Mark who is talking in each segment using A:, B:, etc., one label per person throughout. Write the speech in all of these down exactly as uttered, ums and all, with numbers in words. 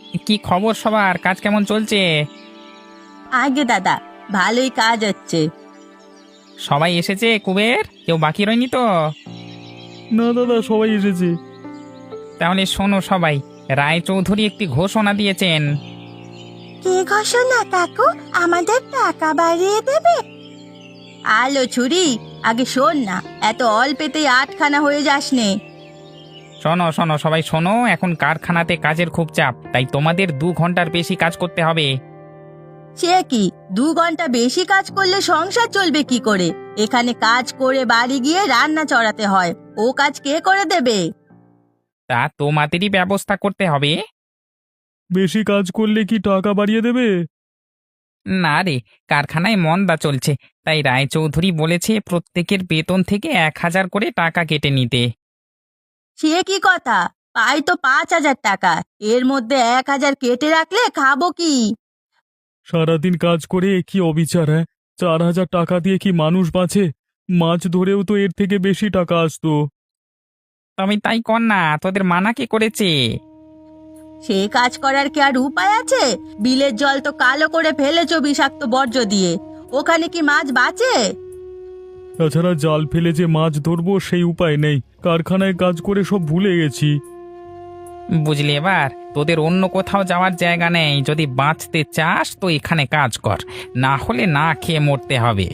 A: কি খবর সবার? কাজ কেমন চলছে?
B: আগে দাদা, ভালোই কাজ হচ্ছে।
A: সবাই এসেছে কুবের? কেউ বাকি রয়নি তো?
C: না দাদা, সবাই এসেছে।
A: তাহলে শোনো সবাই, রায়চৌধুরী একটি ঘোষণা দিয়েছেন।
B: কি ঘোষণা কাকু? আমাদের টাকা বাড়িয়ে দেবে? আলো ছুরি, আগে শোন না, এত অল্পেতেই আটখানা হয়ে যাস নে।
A: শোনো শোনো সবাই শোনো, এখন কারখানাতে কাজের খুব চাপ, তাই তোমাদের দু ঘন্টার বেশি কাজ করতে হবে।
B: সে কি, দু ঘন্টা বেশি কাজ করলে সংসার চলবে কি করে? এখানে কাজ করে বাড়ি গিয়ে রান্না চড়াতে হয়, ও কাজ কে করে দেবে?
A: তা তোমাদেরই ব্যবস্থা করতে হবে।
C: বেশি কাজ করলে কি টাকা বাড়িয়ে দেবে?
A: না রে, কারখানায় মন্দা চলছে, তাই রায়চৌধুরী বলেছে প্রত্যেকের বেতন থেকে এক হাজার করে টাকা কেটে নিতে।
B: সে কি কথা? পাই তো পাঁচ হাজার টাকা, এর মধ্যে এক হাজার কেটে রাখলে খাবো কি?
C: সারাদিন কাজ করে কি অবিচার! হ্যাঁ, চার হাজার টাকা দিয়ে কি মানুষ বাঁচে? মাছ ধরেও তো এর থেকে বেশি টাকা আসতো।
A: তবে তাই কর না, তোদের মানা কে করেছে?
B: সে কাজ করার কি আর উপায় আছে? বিলের জল তো কালো করে ফেলেছো বিষাক্ত বর্জ্য দিয়ে, ওখানে কি মাছ বাঁচে?
C: তাছাড়া জাল ফেলে যে মাছ ধরবো সেই উপায় নেই, কারখানায় কাজ করে সব ভুলে গেছি।
A: বুঝলি এবার? তোদের অন্য কোথাও যাওয়ার জায়গা নেই, যদি বাঁচতে চাস তো এখানে কাজ কর, না হলে না খেয়ে মরতে হবে।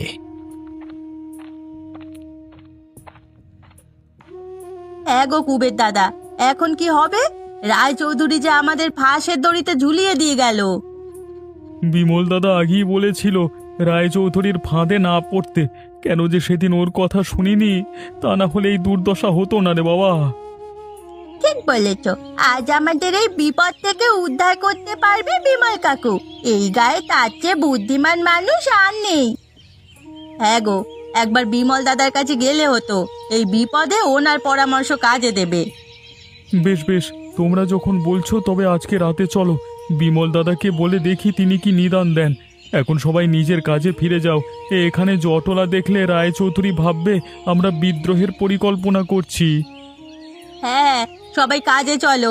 B: এগো কুবের দাদা, এখন কি হবে? রায়চৌধুরী যে আমাদের ফাঁসের দড়িতে ঝুলিয়ে দিয়ে গেল।
C: বিমল দাদা আগেই বলেছিল রায়চৌধুরীর ফাঁদে না পড়তে, কেন যে সেদিন ওর কথা শুনিনি, তা না হলে এই দুর্দশা হতো না রে বাবা।
B: ঠিক বলেছ, আজ আমাদের এই বিপদ থেকে উদ্ধার করতে পারবে বিমল কাকু। এই গায়ে তার চেয়ে বুদ্ধিমান মানুষ আর নেই। হ্যাঁ গো, একবার বিমল দাদার কাছে গেলে হতো, এই বিপদে ওনার পরামর্শ কাজে দেবে।
C: বেশ বেশ, তোমরা যখন বলছো তবে আজকে রাতে চলো, বিমল দাদাকে বলে দেখি তিনি কি নিদান দেন। এখন সবাই নিজের কাজে ফিরে যাও। এ এখানে জটলা দেখলে রায়চৌধুরী ভাববে আমরা বিদ্রোহের পরিকল্পনা করছি।
B: হ্যাঁ, সবাই কাজে চলো।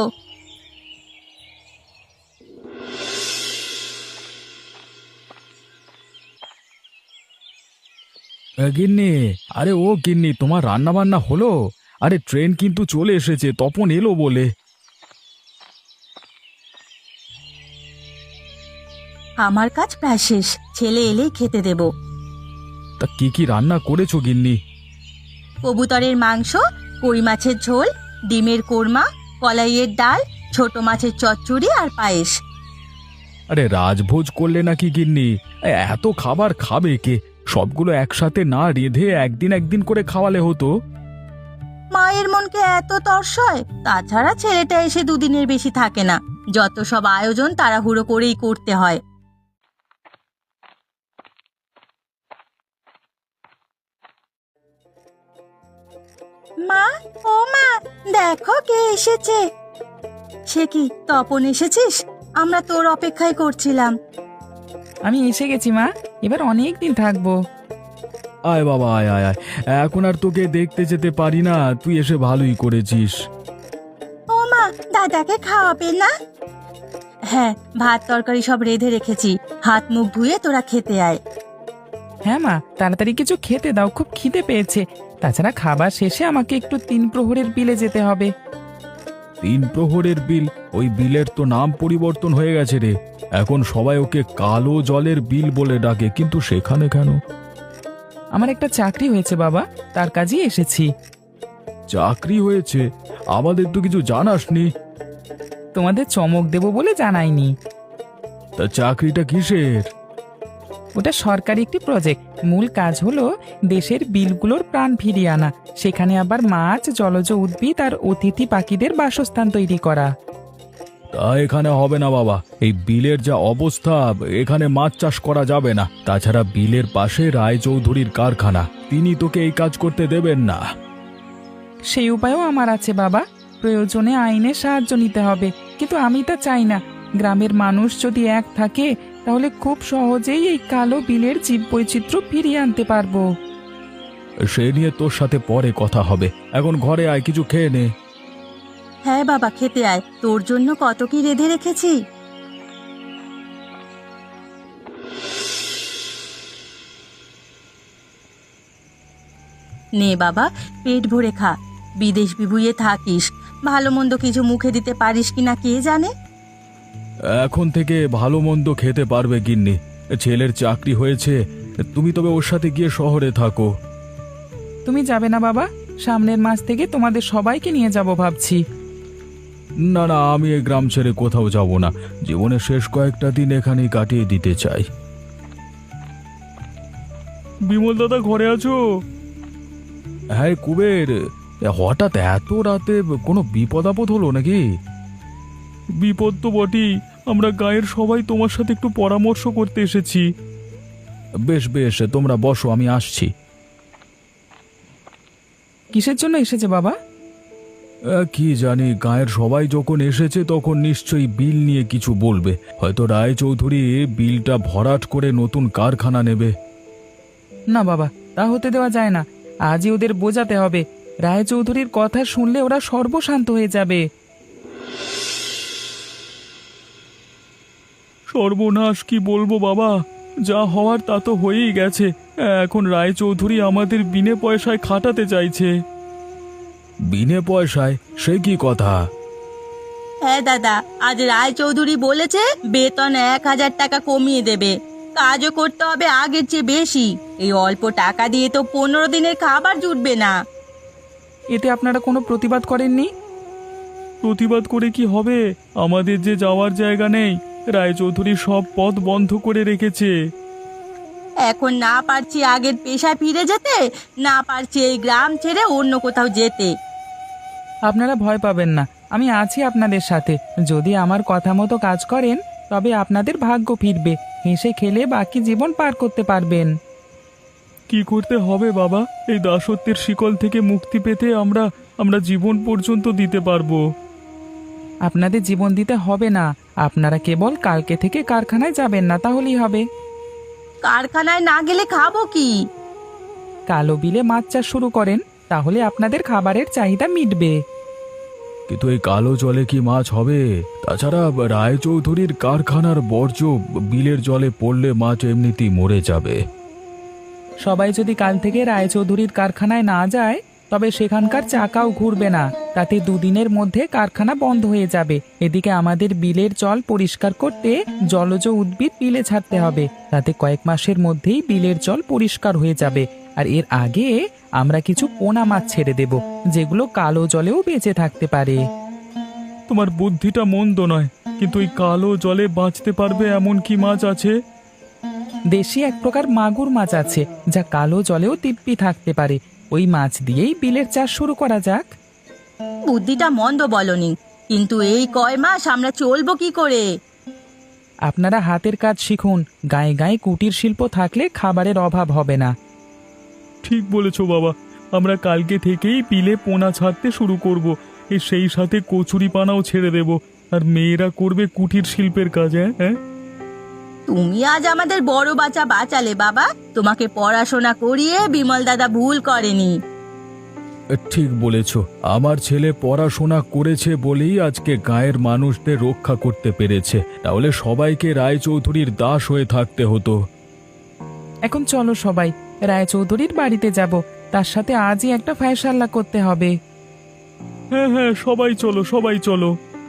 C: গিন্নি, আরে ও গিন্নি, তোমার রান্না বান্না হলো? আরে ট্রেন কিন্তু চলে এসেছে, তপন এলো বলে।
B: আমার কাজ প্রায় শেষ, ছেলে এলেই খেতে দেব।
C: তা কি কি রান্না করেছো গিন্নি?
B: কবুতরের মাংস, কই মাছের ঝোল, ডিমের কোরমা, কলাইয়ের ডাল, ছোট মাছের চচ্চড়ি আর পায়েস।
C: আরে রাজভোজ করলে নাকি গিন্নি? এ, এত খাবার খাবে কে? সবগুলো একসাথে না রেঁধে একদিন একদিন করে খাওয়ালে হতো।
B: মায়ের মনকে এত তর্সয়, তাছাড়া ছেলেটা এসে দুদিনের বেশি থাকে না, যত সব আয়োজন তাড়াহুড়ো করেই করতে হয়। মা, ও মা, দেখো কে এসেছে। সে কি, তপন এসেছিস? আমরা তোর অপেক্ষায় করছিলাম।
A: আমি এসে গেছি মা, এবার অনেক দিন থাকবো।
C: আয় বাবা, আয় আয় আয়, এখন আর তোকে দেখতে যেতে পারি না, তুই এসে ভালোই করেছিস।
B: ও মা, দাদাকে খাওয়াবে না? হ্যাঁ, ভাত তরকারি সব রেঁধে রেখেছি, হাত মুখ ধুয়ে তোরা খেতে আয়।
A: হ্যাঁ মা, তাড়াতাড়ি কিছু খেতে দাও, খুব খিদে পেয়েছে। তাছাড়া খাবার শেষে আমাকে একটু তিন প্রহরের বিলে যেতে হবে।
C: তিন প্রহরের বিল? ওই বিলের তো নাম পরিবর্তন হয়ে গেছে রে, এখন সবাই ওকে কালো জলের বিল বলে ডাকে, কিন্তু সেখানে কেন?
A: আমার একটা চাকরি হয়েছে বাবা, তার কাজেই এসেছি।
C: চাকরি হয়েছে? আমাদের তো কিছু জানাসনি।
A: তোমাদের চমক দেব বলে জানাইনি।
C: তা চাকরিটা কিসের?
A: ওটা সরকারি একটি প্রজেক্ট, মূল কাজ হলো দেশের বিলগুলোর প্রাণ ফিরিয়ে আনা, সেখানে আবার মাছ, জলজ উদ্ভিদ আর অতিথি পাখিদের বাসস্থান তৈরি করা।
C: তা এখানে হবে না বাবা, এই বিলের যা অবস্থা, এখানে মাছ চাষ করা যাবে না। তাছাড়া বিলের পাশে রায়চৌধুরীর কারখানা, তিনি তোকে এই কাজ করতে দেবেন না।
A: সেই উপায়ও আমার আছে বাবা, প্রয়োজনে আইনের সাহায্য নিতে হবে, কিন্তু আমি তা চাই না। গ্রামের মানুষ যদি এক থাকে তাহলে খুব সহজেই এই কালো বিলের জীববৈচিত্র্য ফিরিয়ে আনতে পারবো।
C: সে নিয়ে তোর সাথে পরে কথা হবে, এখন ঘরে আয়, কিছু খেয়ে নে।
B: হ্যাঁ বাবা, খেতে আয়, তোর জন্য কত কি রেঁধে রেখেছি। নে বাবা, পেট ভরে খা। বিদেশ বিভুঁইয়ে থাকিস, ভালো মন্দ কিছু মুখে দিতে পারিস কিনা কে জানে।
C: এখন থেকে ভালো মন্দ খেতে পারবে গিন্নি। ছেলের চাকরি হয়েছে, তুমি তবে ওর সাথে গিয়ে শহরে থাকো।
A: তুমি যাবে না বাবা? সামনের মাস থেকে তোমাদের সবাইকে নিয়ে যাব ভাবছি।
C: না না, আমি এই গ্রাম ছেড়ে কোথাও যাব না। জীবনের শেষ কয়েকটা দিন এখানেই কাটিয়ে দিতে চাই। বিমল দাদা, ঘরে আছো? হ্যাঁ কুবের, হঠাৎ এত রাতে কোনো বিপদ আপদ হলো নাকি? বিপদ তো বটেই, আমরা গায়ের সবাই তোমার সাথে একটু পরামর্শ করতে এসেছি। বেশ বেশ, তোমরা বসো, আমি আসছি।
A: কিসের জন্য এসেছে বাবা?
C: কি জানি, গায়ের সবাই যখন এসেছে তখন নিশ্চয়ই বিল নিয়ে কিছু বলবে। হয়তো রায়চৌধুরী বিলটা ভরাট করে নতুন কারখানা নেবে।
A: না বাবা, তা হতে দেওয়া যায় না। আজই ওদের বোঝাতে হবে। রায়চৌধুরীর কথা শুনলে ওরা সর্বশান্ত হয়ে যাবে।
C: সর্বনাশ, কি বলবো বাবা, যা হওয়ার তা তো হয়েই গেছে। এখন রায়চৌধুরী আমাদের বিনে পয়সায় খাটাতে চাইছে। বিনে পয়সায়? সে কি কথা?
B: হ্যাঁ দাদা, আজ রায়চৌধুরী বলেছে বেতন এক হাজার টাকা কমিয়ে দেবে, কাজও করতে হবে আগের চেয়ে বেশি। এই অল্প টাকা দিয়ে তো পনেরো দিনের খাবার জুটবে না।
A: এতে আপনারা কোনো প্রতিবাদ করেননি?
C: প্রতিবাদ করে কি হবে? আমাদের যে যাওয়ার জায়গা নেই, রায়চৌধুরী সব পথ বন্ধ করে রেখেছে।
B: এখন না পারছি আগের পেশায় ফিরে যেতে, না পারছি এই গ্রাম ছেড়ে অন্য কোথাও যেতে।
A: আপনারা ভয় পাবেন না, আমি আছি আপনাদের সাথে। যদি আমার কথা মতো কাজ করেন তবে আপনাদের ভাগ্য ফিরবে। হেসে খেলে বাকি জীবন পার করতে পারবেন।
C: কি করতে হবে বাবা? এই দাসত্বের শিকল থেকে মুক্তি পেতে আমরা আমরা জীবন পর্যন্ত দিতে পারবো।
A: আপনাদের জীবন দিতে হবে না, আপনারা কেবল কালকে থেকে কারখানায় যাবেন না, তাহলেই হবে।
B: কারখানায় না গেলে খাবো কি?
A: কালো বিলে মাছ চাষ শুরু করেন, তাহলে আপনাদের খাবারের চাহিদা মিটবে।
C: কিন্তু এই কালো জলে কি মাছ হবে? তাছাড়া রায়চৌধুরীর কারখানার বর্জ্য বিলের জলে পড়লে মাছ এমনিতেই মরে যাবে।
A: সবাই যদি কাল থেকে রায়চৌধুরীর কারখানায় না যায় তবে সেখানকার চাকাও ঘুরবে না। তাতে দুদিনের মধ্যে কারখানা বন্ধ হয়ে যাবে। এদিকে আমাদের বিলের জল পরিষ্কার করতে জলজ উদ্ভিদ বিলে ছাড়তে হবে। তাতে কয়েক মাসের মধ্যেই বিলের জল পরিষ্কার হয়ে যাবে। আর এর আগে আমরা কিছু পোনা মাছ ছেড়ে দেব, যেগুলো কালো জলেও বেঁচে থাকতে পারে।
C: তোমার বুদ্ধিটা মন্দ নয়, কিন্তু এই কালো জলে বাঁচতে পারবে এমন কি মাছ আছে?
A: দেশি এক প্রকার মাগুর মাছ আছে, যা কালো জলেও দিব্যি থাকতে পারে। ওই মাছ দিয়েই বিলের চাষ শুরু করা যাক।
B: বুদ্ধিটা মন্দ বলনি, কিন্তু এই কয় মাস আমরা চলবো কি করে?
A: আপনারা হাতের কাজ শিখুন। গায়ে গায়ে কুটির শিল্প থাকলে খাবারের অভাব হবে না।
C: ঠিক বলেছ বাবা, আমরা কালকে থেকেই বিলে পোনা ছাড়তে শুরু করব। এই সেই সাথে কচুরি পানাও ছেড়ে দেব। আর মেয়েরা করবে কুটির শিল্পের কাজ। হ্যাঁ,
B: তুমি আজ আমাদের বড় বাচ্চা বাঁচালে বাবা। তোমাকে পড়াশোনা করিয়ে বিমল দাদা ভুল করেনি।
C: ঠিক বলেছ, আমার ছেলে পড়াশোনা করেছে বলেই আজকে গায়ের মানুষদের রক্ষা করতে পেরেছে। তাহলে সবাইকে রায়চৌধুরীর দাস হয়ে থাকতে হতো।
A: এখন চলো সবাই রায়চৌধুরীর বাড়িতে যাব। তার সাথে আজই একটা ফায়সাল্লা করতে হবে।
C: হ্যাঁ হ্যাঁ, সবাই চলো, সবাই চলো।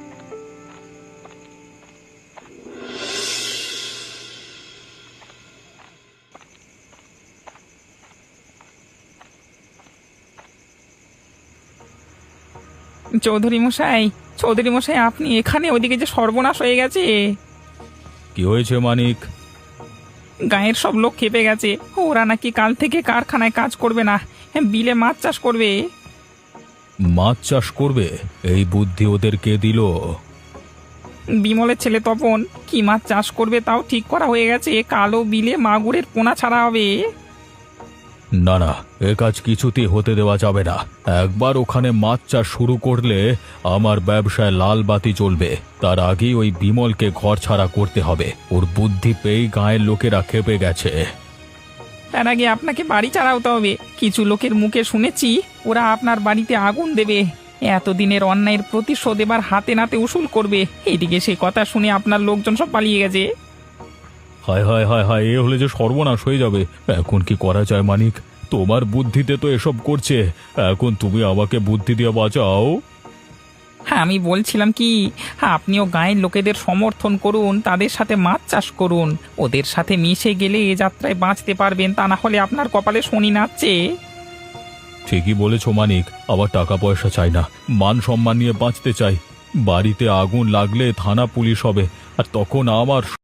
A: চৌধুরী মশাই, চৌধুরী মশাই, আপনি এখানে? ওইদিকে যে সর্বনাশ হয়ে গেছে।
C: কি হয়েছে মানিক?
A: গায়ের সব লোক খেপে গেছে। ওরা নাকি কাল থেকে কারখানায় কাজ করবে না, বিলে মাছ চাষ করবে।
C: মাছ চাষ করবে? এই বুদ্ধি ওদের কে দিল?
A: বিমলের ছেলে তপন। কি মাছ চাষ করবে তাও ঠিক করা হয়ে গেছে। কালো বিলে মাগুরের পোনা ছাড়া হবে।
C: না না, এ কাজ কিছুতেই হতে দেওয়া যাবে না। একবার ওখানে মাছ চাষ শুরু করলে আমার ব্যবসায় লাল বাতি জ্বলবে। তার আগেই ওই বিমলকে ঘর ছাড়া করতে হবে। ওর বুদ্ধি পেয়েই গায়ের লোকেরা খেপে গেছে।
A: তার আগে আপনাকে বাড়ি ছাড়া হতে হবে। কিছু লোকের মুখে শুনেছি ওরা আপনার বাড়িতে আগুন দেবে। এতদিনের অন্যায়ের প্রতিশোধ এবার হাতে নাতে উসুল করবে। এইদিকে সে কথা শুনে আপনার লোকজন সব পালিয়ে গেছে।
C: হায় হায় হায় হায়, এ হলে যে সর্বনাশ হয়ে যাবে। এখন কি করা যায় মানিক? তোমার বুদ্ধিতে তো এসব করছে, এখন তুমি আমাকে বুদ্ধি দিয়ে বাঁচাও।
A: হ্যাঁ, আমি বলছিলাম কি, আপনিও গায়ের লোকেদের সমর্থন করুন, তাদের সাথে মাছ চাষ করুন। ওদের সাথে মিশে গেলে এ যাত্রায় বাঁচতে পারবেন, তা না হলে আপনার কপালে শনি নাচছে।
C: ঠিকই বলেছ মানিক, আবার টাকা পয়সা চাই না, মান সম্মান নিয়ে বাঁচতে চাই। বাড়িতে আগুন লাগলে থানা পুলিশ হবে, আর তখন আমার